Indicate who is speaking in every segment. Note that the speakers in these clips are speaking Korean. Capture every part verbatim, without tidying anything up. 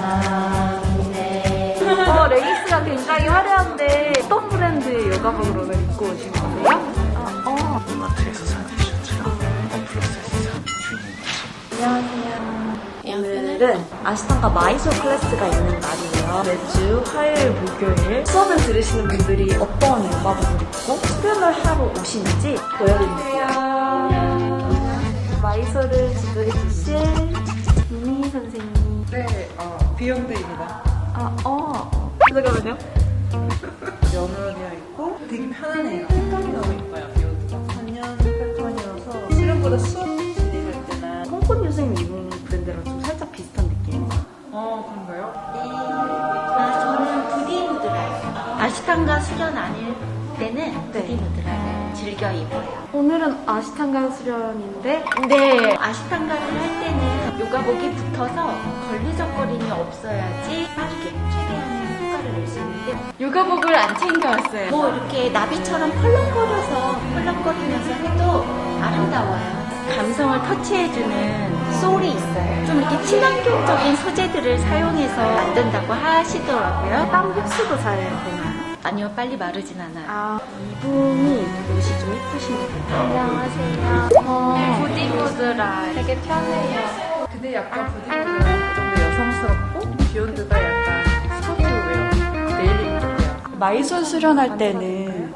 Speaker 1: 어, 레깅스가 굉장히 화려한데 어떤 브랜드의 요가복으로 입고 오신 거세요? 아, 어.
Speaker 2: 이마트에서 사는 티셔츠랑 원플러스에서 사는 주인공이지.
Speaker 1: 안녕하세요. 오늘은 아시탄가 마이솔 클래스가 있는 날이에요. 매주 화요일, 목요일 수업을 들으시는 분들이 어떤 요가복을 입고 수련을 하러 오시는지 보여드릴게요. 마이솔을 지도해 주실 미니 선생님.
Speaker 3: 네, 어, 비욘드입니다.
Speaker 1: 아, 어. 잠깐만요.
Speaker 3: 면으로 되어 있고 되게 편안해요. 색감이 너무 예뻐요, 비욘드가. 단연 패턴이어서 수련보다 수업 진행할 때나
Speaker 1: 홍콩 교수님 입은 브랜드랑 좀 살짝 비슷한 느낌이에요.
Speaker 3: 어, 그런가요?
Speaker 4: 아, 저는 부디무드라예요. 아시탄가 수련 아닐 때는
Speaker 1: 네.
Speaker 4: 부디무드라를 즐겨 입어요.
Speaker 1: 오늘은 아시탄가 수련인데
Speaker 4: 근데 아시탄가를 할 때는 요가복이 붙어서 걸리적거림이 없어야지 빠르게 최대한의 효과를 낼 수 있는데 요가복을 안 챙겨왔어요. 뭐 이렇게 나비처럼 펄렁거려서 펄렁거리면서 해도 아름다워요. 감성을 터치해주는 소울이 있어요. 좀 이렇게 친환경적인 소재들을 사용해서 만든다고 하시더라고요.
Speaker 1: 땀 흡수도 잘 되나요?
Speaker 4: 아니요, 빨리 마르진 않아요.
Speaker 1: 아, 이분이 옷이 좀 이쁘시네요. 안녕하세요. 어, 부디무드라 되게 편해요.
Speaker 3: 근데 약간 부디무드가 좀 더 여성스럽고 비욘드가 약간 스포츠웨어, 데일리 룩이에요.
Speaker 1: 마이솔 수련할 때는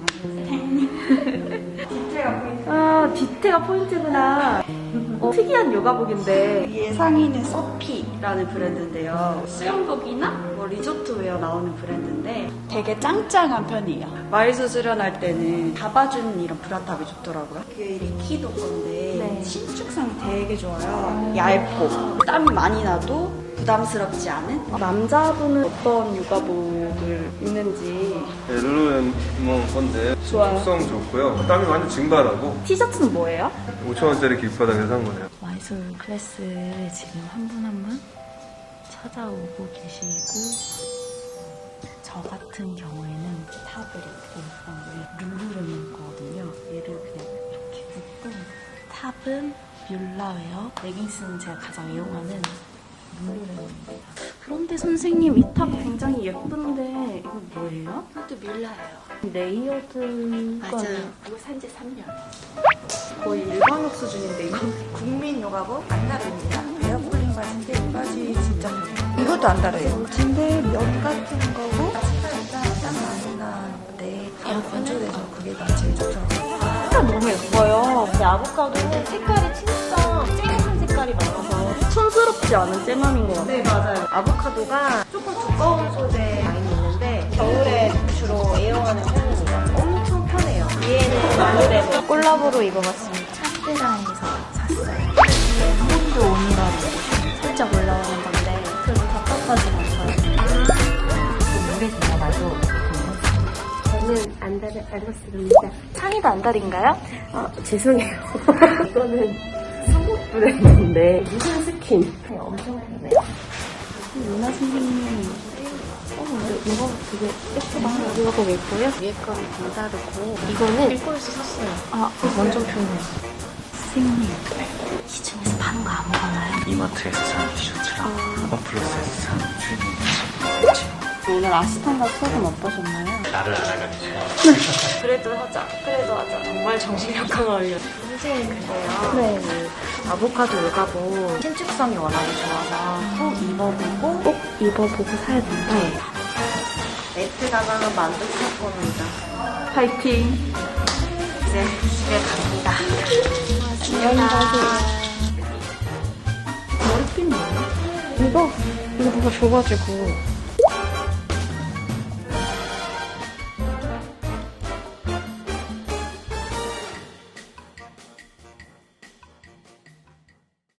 Speaker 1: 아, 뒤태가 포인트구나. 어, 특이한 요가복인데 위에 상의는 서피라는 브랜드인데요. 수영복이나 뭐 리조트웨어 나오는 브랜드인데 되게 짱짱한 편이에요. 마이솔 수련할 때는 잡아주는 이런 브라탑이 좋더라고요. 그게 리키도 건데 신축성이 되게 좋아요. 얇고 땀이 많이 나도 부담스럽지 않은? 남자분은 어떤 요가복을 입는지.
Speaker 5: 네, 룰루레몬 건데
Speaker 1: 좋아요.
Speaker 5: 속성 좋고요. 땀이 완전 증발하고
Speaker 1: 티셔츠는 뭐예요?
Speaker 5: 오천 원짜리 길바닥에서 산 거예요.
Speaker 6: 마이솔 클래스를 지금 한 분 한 분 찾아오고 계시고, 저 같은 경우에는 탑을 입고 어, 룰루레몬 거거든요. 얘를 그냥 이렇게 입고, 탑은 뮬라웨어, 레깅스는 제가 가장 이용하는 룰루레몬입니다.
Speaker 1: 그런데 선생님 이 탑 굉장히 예쁜데 이거 뭐예요?
Speaker 4: 이것도 뮬라예요.
Speaker 1: 레이어드
Speaker 4: 맞아요. 이거 산지 삼 년.
Speaker 1: 거의 일반역 수준인데 이거
Speaker 3: 국민 요가복 안 다릅니다. 에어폴링 바지인데 이 바지 진짜 편해요. 이것도 안 다르요.
Speaker 1: 근데 면 같은 거고
Speaker 3: 일단 땀 많이 나는데 건조돼서 그게 다 제일 좋더라고요.
Speaker 1: 색깔 너무 예뻐요.
Speaker 4: 근데 아보카도는 색깔이 진짜 쨍한 색깔이 많아서
Speaker 1: 촌스럽지 않은 잼함인 것 같아요.
Speaker 3: 네, 맞아요.
Speaker 4: 아보카도가 조금 두꺼운 소재 많이 있는데 겨울에 주로 애용하는 편입니다. 엄청 편해요. 위에는 마늘에
Speaker 6: 콜라보로 입어봤습니다. 찬드라에서 샀어요. 뒤에 몬드 온이라고 살짝 올라오는 건데 그래도 답답하진 않아요. 물에 들어가도
Speaker 7: 저는 안다리 알로스입니다.
Speaker 1: 상의도 안달인가요?
Speaker 7: 아, 죄송해요. 이거는 속옷 브랜드인데 무슨 스킨? 네, 엄청 편해요.
Speaker 1: 유나 선생님 어, 근데 이거 되게 예쁘다. 이거 보고 예뻐요?
Speaker 7: 위에 거는 좀 다르고 이거는 일본에서 샀어요.
Speaker 1: 아,
Speaker 7: 완전 편해요.
Speaker 6: 선생님 시중에서 파는 거 아무거나요?
Speaker 2: 이마트에서 사는 티셔츠랑 원플러스에서 사는 주인공이지.
Speaker 1: 오늘 아시탄가 수업은 어떠셨나요?
Speaker 2: 나를 알아가지고.
Speaker 1: 그래도 하자. 그래도 하자. 정말 정신력 강화위원.
Speaker 7: 선생님 그래요.
Speaker 1: 네. 아보카도 요가복 신축성이 워낙에 좋아서 꼭 입어보고 꼭 입어보고 사야 된다. 네.
Speaker 4: 매트 가방은 만족할 겁니다.
Speaker 1: 파이팅.
Speaker 4: 이제 집에 갑니다.
Speaker 1: 안녕히 가세요. 머리핀 뭐예요? 이거 이거 누가 줘가지고